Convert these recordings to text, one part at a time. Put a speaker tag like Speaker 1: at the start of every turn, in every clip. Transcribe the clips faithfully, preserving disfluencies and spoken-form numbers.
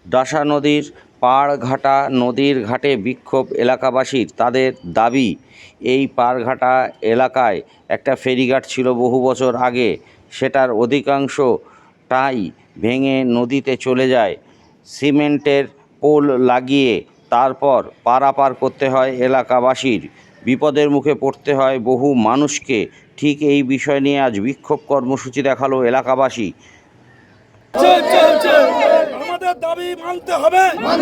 Speaker 1: ডাসা নদীর পাড়ঘাটা নদীর ঘাটে বিক্ষোভ এলাকাবাসীর। তাদের দাবি, এই পাড়ঘাটা এলাকায় একটা ফেরিঘাট ছিল বহু বছর আগে, সেটার অধিকাংশটাই ভেঙে নদীতে চলে যায়। সিমেন্টের পোল লাগিয়ে তারপর পারাপার করতে হয় এলাকাবাসীর, বিপদের মুখে পড়তে হয় বহু মানুষকে। ঠিক এই বিষয় নিয়ে আজ বিক্ষোভ কর্মসূচি দেখালো এলাকাবাসী।
Speaker 2: আমাদের দাবি মানতে হবে,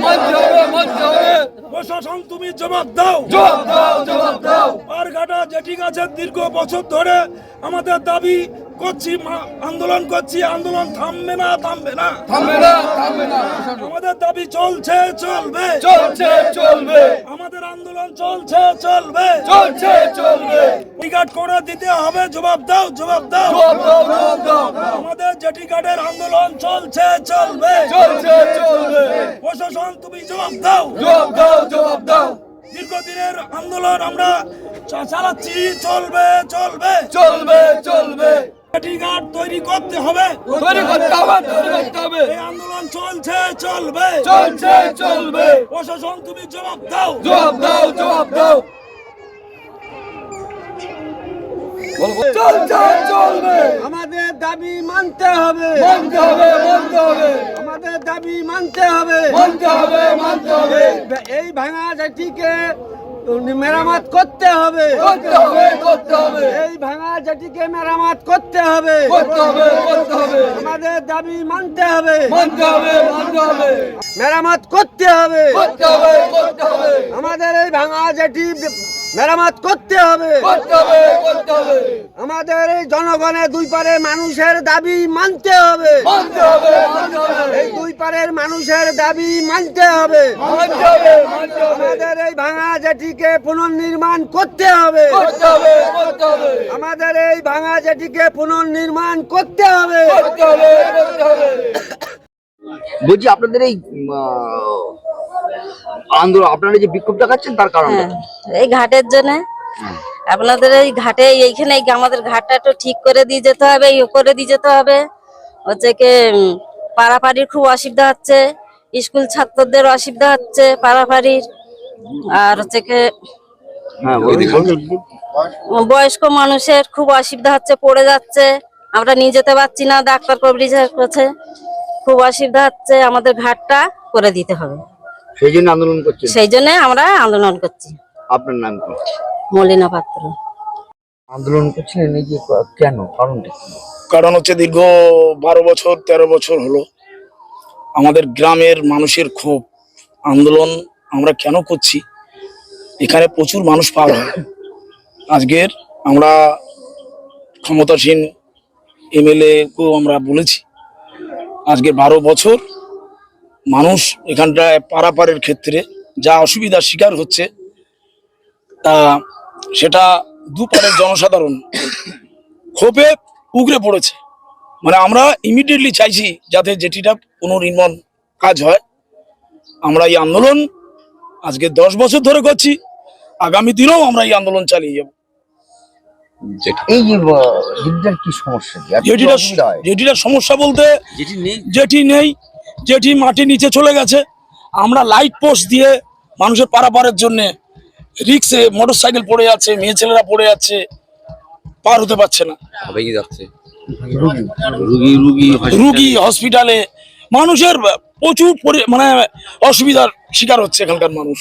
Speaker 2: প্রশাসন তুমি জবাব দাও। পাড়ঘাটা জেটি গাছের দীর্ঘ বছর ধরে আমাদের দাবি করছি, আন্দোলন করছি, আন্দোলন থামবে না, থামবে না, থামবে না, থামবে না। আমাদের দাবি চলছে, চলবে, চলছে, চলবে। আমাদের আন্দোলন চলছে, চলবে, চলছে, চলবে। টিকাট করে দিতে হবে, জবাব দাও, জবাব দাও। আমাদের জেটি ঘাটের আন্দোলন চলছে, চলবে, চলছে, চলবে। প্রশাসন তুমি জবাব দাও, জবাব দাও, জবাব দাও। দীর্ঘদিনের আন্দোলন আমরা চালাচ্ছি, চলবে, চলবে, চলবে, চলবে। ঘাট তৈরি করতে হবে, তৈরি করতে হবে, তৈরি করতে হবে। এই আন্দোলন চলছে, চলবে, চলছে, চলবে। প্রশাসন তুমি জবাব দাও, জবাব দাও, জবাব দাও। চলছে, চলবে।
Speaker 3: আমাদের দাবি মানতে হবে,
Speaker 2: মানতে হবে, মানতে হবে।
Speaker 3: আমাদের দাবি মানতে হবে,
Speaker 2: মানতে হবে, মানতে হবে।
Speaker 3: এই ভাঙা জেটিকে মেরামত করতে হবে,
Speaker 2: করতে হবে, করতে হবে।
Speaker 3: এই ভাঙা জেটিকে মেরামত করতে হবে,
Speaker 2: করতে হবে, করতে হবে।
Speaker 3: আমাদের দাবি মানতে হবে,
Speaker 2: মানতে হবে, মানতে হবে।
Speaker 3: মেরামত করতে হবে,
Speaker 2: করতে হবে, করতে হবে।
Speaker 3: আমাদের এই ভাঙা জেটি মেরামত করতে হবে,
Speaker 2: করতে হবে, করতে হবে।
Speaker 3: আমাদের এই জনগণের দুই পারের মানুষের দাবি মানতে হবে,
Speaker 2: মানতে হবে, মানতে হবে।
Speaker 3: এই দুই পারের মানুষের দাবি মানতে হবে,
Speaker 2: মানতে হবে, মানতে হবে।
Speaker 3: আমাদের এই ভাঙা জেটিকে পুনর্নির্মাণ করতে হবে,
Speaker 2: করতে হবে, করতে হবে।
Speaker 3: আমাদের এই ভাঙা জেটিকে পুনর্নির্মাণ করতে হবে,
Speaker 2: করতে হবে, করতে হবে।
Speaker 4: বলছি আপনাদের এই আহ, আন্দোলন, আপনারা যে বিক্ষোভ দেখাচ্ছেন তার কারণ
Speaker 5: হ্যাঁ, এই ঘাটের জন্য আপনাদের এই ঘাটে এইখানে আমাদের ঘাটটা একটু ঠিক করে দিয়ে যেতে হবে, ইয়ে করে দিয়ে যেতে হবে। হচ্ছে কি উম, পাড়াপাড়ির খুব অসুবিধা হচ্ছে, স্কুল ছাত্রদের অসুবিধা হচ্ছে পাড়াপাড়ির। আর হচ্ছে কি
Speaker 4: হ্যাঁ
Speaker 5: বয়স্ক মানুষের খুব অসুবিধা হচ্ছে, পড়ে যাচ্ছে, আমরা নিয়ে যেতে পারছি না, ডাক্তার কবরিজ করছে, খুব অসুবিধা হচ্ছে। আমাদের ঘাটটা করে দিতে হবে,
Speaker 4: সেই জন্য আন্দোলন করছেন।
Speaker 5: সেই জন্য আমরা আন্দোলন করছি।
Speaker 4: আপনার নাম কি?
Speaker 5: মলিনা পাত্র।
Speaker 4: আন্দোলন করছিলেন এই যে কেন, কারণটা কি?
Speaker 2: কারণ হচ্ছে দীর্ঘ বারো বছর তেরো বছর হলো আমাদের গ্রামের মানুষের ক্ষোভ। আন্দোলন আমরা কেন করছি, এখানে প্রচুর মানুষ পার হয়। আজকের আমরা ক্ষমতাসীন এমএলএ কেও আমরা বলেছি, আজকে বারো বছর মানুষ এখানটায় পারাপারের ক্ষেত্রে যা অসুবিধার শিকার হচ্ছে, তা সেটা দুপারের জনসাধারণ ক্ষোভে উগরে পড়েছে। মানে আমরা ইমিডিয়েটলি চাইছি যাতে যেটিটা পুনর্নির্মাণ কাজ হয়। আমরা এই আন্দোলন আজকে দশ বছর ধরে করছি, আগামী দিনেও আমরা এই আন্দোলন চালিয়ে যাব।
Speaker 4: এই যে যেটার কি সমস্যা,
Speaker 2: যেটিটা যেটিটা সমস্যা বলতে যেটি নেই, যেটি মাটি নিচে চলে গেছে। আমরা লাইট পোস্ট দিয়ে মানুষের পারাপারের জন্য রিক্সে মোটর সাইকেল পড়ে যাচ্ছে, মেয়ে ছেলেরা পড়ে যাচ্ছে, পার হতে পারছে না। রুগী হসপিটালে মানুষের প্রচুর মানে অসুবিধার শিকার হচ্ছে এখানকার মানুষ।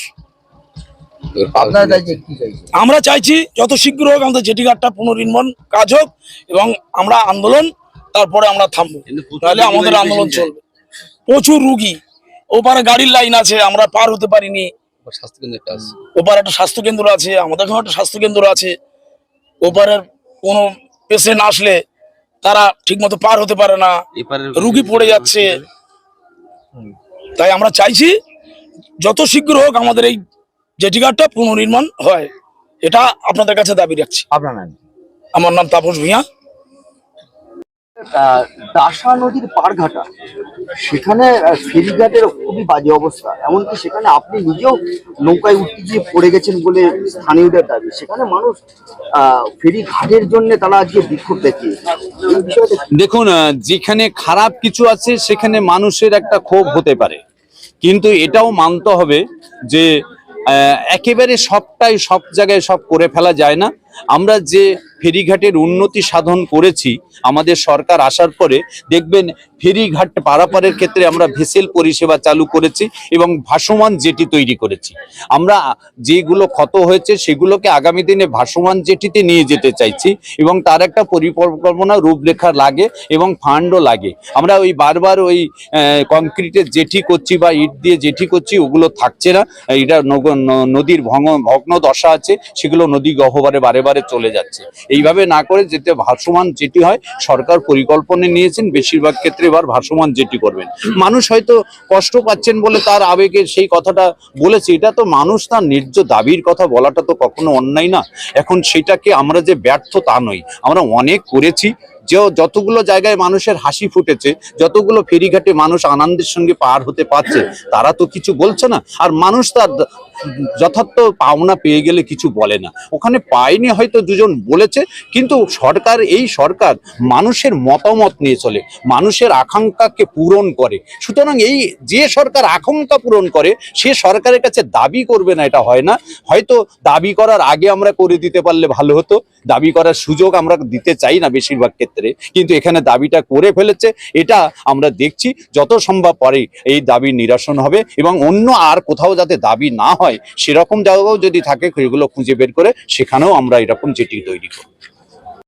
Speaker 2: আমরা চাইছি যত শীঘ্র হোক আমাদের জেটি ঘাটটা পুনর্নির্মাণ কাজ হোক এবং আমরা আন্দোলন তারপরে আমরা থামবো, তাহলে আমাদের আন্দোলন চলবে। প্রচুর রুগী, ওপারে গাড়ির লাইন আছে, আমরা পার হতে পারিনি। ওপারে একটা স্বাস্থ্য কেন্দ্র আছে, আমাদের এখানে একটা স্বাস্থ্য কেন্দ্র আছে। ওপারের কোনো পেশেন্ট আসলে তারা ঠিক মতো পার হতে পারে না, রুগী পড়ে যাচ্ছে। তাই আমরা চাইছি যত শীঘ্র হোক আমাদের এই জেটি ঘাটটা পুনর্নির্মাণ হয়, এটা আপনাদের কাছে দাবি রাখছি।
Speaker 4: আপনার নাম?
Speaker 2: আমার নাম তাপস ভূঁইয়া।
Speaker 4: ডাসা নদীর পাড়ঘাটা, সেখানে ফেরিঘাটের খুবই বাজে অবস্থা, এমনকি সেখানে আপনি নিজেও নৌকায় উঠতে গিয়ে পড়ে গেছেন বলে স্থানীয়দের দাবি। সেখানে মানুষ আহ ফেরি ঘাটের জন্য তারা আজকে বিক্ষোভ দেখিয়েছে। এই বিষয়টা
Speaker 6: দেখুন, যেখানে খারাপ কিছু আছে সেখানে মানুষের একটা ক্ষোভ হতে পারে, কিন্তু এটাও মানতে হবে যে আহ, একেবারে সবটাই সব জায়গায় সব করে ফেলা যায় না। আমরা যে ফেরিঘাটের উন্নতি সাধন করেছি আমাদের সরকার আসার পরে, দেখবেন ফেরিঘাট পারাপারের ক্ষেত্রে আমরা ভেসেল পরিষেবা চালু করেছি এবং ভাসমান জেটি তৈরি করেছি। আমরা যেগুলো ক্ষত হয়েছে সেগুলোকে আগামী দিনে ভাসমান জেটিতে নিয়ে যেতে চাইছি এবং তার একটা পরিকল্পনা রূপরেখা লাগে এবং ফান্ডও লাগে। আমরা ওই বারবার ওই কংক্রিটের জেটি করছি বা ইট দিয়ে জেটি করছি, ওগুলো থাকছে না। এটা নদীর ভঙ্গ ভগ্ন দশা আছে, সেগুলো নদী গহ্বরে বারে বারে চলে যাচ্ছে। এইভাবে না করে যেতে ভাসমান জেটি হয়, সরকার পরিকল্পনা নিয়েছেন বেশিরভাগ ক্ষেত্রে এবার ভাসমান জেটি করবেন। মানুষ হয়তো কষ্ট পাচ্ছেন বলে তার আবেগে সেই কথাটা বলেছে, এটা তো মানুষ তার ন্যায্য দাবির কথা বলাটা তো কখনো অন্যায় না। এখন সেটাকে আমরা যে ব্যর্থ তা নই, আমরা অনেক করেছি। যে যতগুলো জায়গায় মানুষের হাসি ফুটেছে, যতগুলো ফেরিঘাটে মানুষ আনন্দের সঙ্গে পার হতে পারছে, তারা তো কিছু বলছে না। আর মানুষ তার যথার্থ পাওনা পেয়ে গেলে কিছু বলে না। ওখানে পায়নি হয়তো দুজন বলেছে, কিন্তু সরকার এই সরকার মানুষের মতামত নিয়ে চলে, মানুষের আকাঙ্ক্ষাকে পূরণ করে। সুতরাং এই যে সরকার আকাঙ্ক্ষা পূরণ করে সে সরকারের কাছে দাবি করবে না, এটা হয় না। হয়তো দাবি করার আগে আমরা করে দিতে পারলে ভালো হতো, দাবি করার সুযোগ আমরা দিতে চাই না বেশিরভাগ ক্ষেত্রে, কিন্তু এখানে দাবিটা করে ফেলেছে। এটা আমরা দেখছি যত সম্ভব পরে এই দাবি নিরসন হবে এবং অন্য আর কোথাও যাতে দাবি না হয় সেরকম জায়গাও যদি থাকে সেগুলো খুঁজে বের করে সেখানেও আমরা এরকম জেটি তৈরি করব।